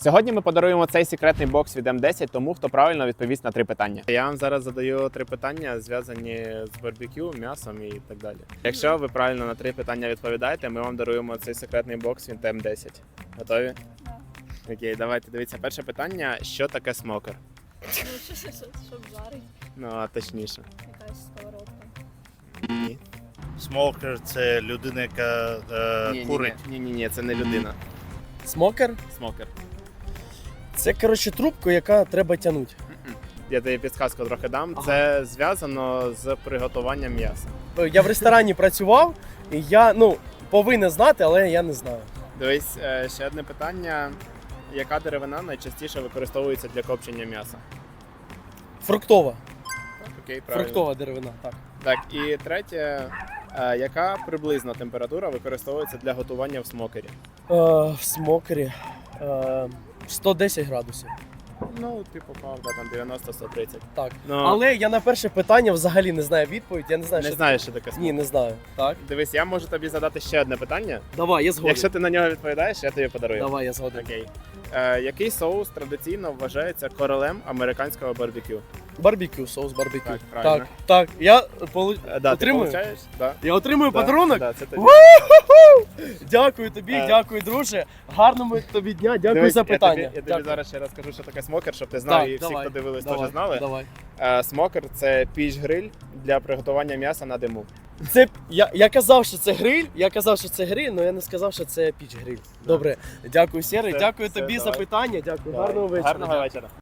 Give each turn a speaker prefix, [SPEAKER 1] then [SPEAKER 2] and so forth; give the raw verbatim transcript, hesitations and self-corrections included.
[SPEAKER 1] Сьогодні ми подаруємо цей секретний бокс від ем десять тому, хто правильно відповість на три питання. Я вам зараз задаю три питання, зв'язані з барбекю, м'ясом і так далі. Якщо ви правильно на три питання відповідаєте, ми вам даруємо цей секретний бокс від ем десять. Готові?
[SPEAKER 2] Да.
[SPEAKER 1] Окей, давайте дивіться. Перше питання: що таке смокер?
[SPEAKER 2] Ну, що, що, що, щоб жарить,
[SPEAKER 1] Ну, а точніше.
[SPEAKER 2] якась сковородка.
[SPEAKER 1] Ні.
[SPEAKER 3] Смокер – це людина, яка е,
[SPEAKER 1] Ні, ні,
[SPEAKER 3] курить.
[SPEAKER 1] ні, ні, ні, це не людина.
[SPEAKER 4] Смокер
[SPEAKER 1] Смокер.
[SPEAKER 4] це, коротше, трубку, яка треба тягнути.
[SPEAKER 1] Я тобі підсказку трохи дам.
[SPEAKER 4] Ага.
[SPEAKER 1] Це зв'язано з приготуванням м'яса.
[SPEAKER 4] Я в ресторані працював, і я ну, повинен знати, але я не знаю.
[SPEAKER 1] Дивись, е, ще одне питання. Яка деревина найчастіше використовується для копчення м'яса?
[SPEAKER 4] Фруктова.
[SPEAKER 1] Окей, правильно.
[SPEAKER 4] Фруктова деревина, так.
[SPEAKER 1] Так, і третє. е, Яка приблизна температура використовується для готування в смокері?
[SPEAKER 4] Е, в смокері е, сто десять градусів.
[SPEAKER 1] Ну, ти попав, да, там дев'яносто - сто тридцять.
[SPEAKER 4] Так.
[SPEAKER 1] Ну,
[SPEAKER 4] Але я на перше питання взагалі не знаю відповідь. Я не знаю,
[SPEAKER 1] не
[SPEAKER 4] що
[SPEAKER 1] знаєш, що таке
[SPEAKER 4] це.
[SPEAKER 1] смокер?
[SPEAKER 4] Ні, не знаю. Так.
[SPEAKER 1] Дивись, я можу тобі задати ще одне питання.
[SPEAKER 4] Давай, я згоден.
[SPEAKER 1] Якщо ти на нього відповідаєш, я тобі подарую.
[SPEAKER 4] Давай, я згоден.
[SPEAKER 1] Окей. Е, який соус традиційно вважається королем американського барбекю?
[SPEAKER 4] Барбекю, соус барбекю.
[SPEAKER 1] Так, правильно.
[SPEAKER 4] так. так. Я полу...
[SPEAKER 1] Е, да,
[SPEAKER 4] отримую?
[SPEAKER 1] Ти получаєш? Да.
[SPEAKER 4] Я отримую
[SPEAKER 1] Да,
[SPEAKER 4] подарунок?
[SPEAKER 1] Да, це тобі.
[SPEAKER 4] Дякую тобі,
[SPEAKER 1] Е.
[SPEAKER 4] дякую, друже. Гарного тобі дня, дякую
[SPEAKER 1] Дивись,
[SPEAKER 4] за
[SPEAKER 1] я
[SPEAKER 4] питання.
[SPEAKER 1] тобі, я тобі
[SPEAKER 4] Дякую.
[SPEAKER 1] зараз ще раз скажу, що таке смокер, щоб ти знав,
[SPEAKER 4] Так,
[SPEAKER 1] і всі,
[SPEAKER 4] давай,
[SPEAKER 1] хто дивились,
[SPEAKER 4] давай,
[SPEAKER 1] теж знали.
[SPEAKER 4] Давай.
[SPEAKER 1] Е, смокер – це піч-гриль для приготування м'яса на диму.
[SPEAKER 4] Це я, я казав, що це гриль. Я казав, що це гриль, але я не сказав, що це піч гриль. Добре, дякую, Сєрий,
[SPEAKER 1] Все,
[SPEAKER 4] дякую
[SPEAKER 1] все,
[SPEAKER 4] тобі
[SPEAKER 1] давай.
[SPEAKER 4] за питання. Дякую. Гарного вечора.
[SPEAKER 1] Гарного вечора.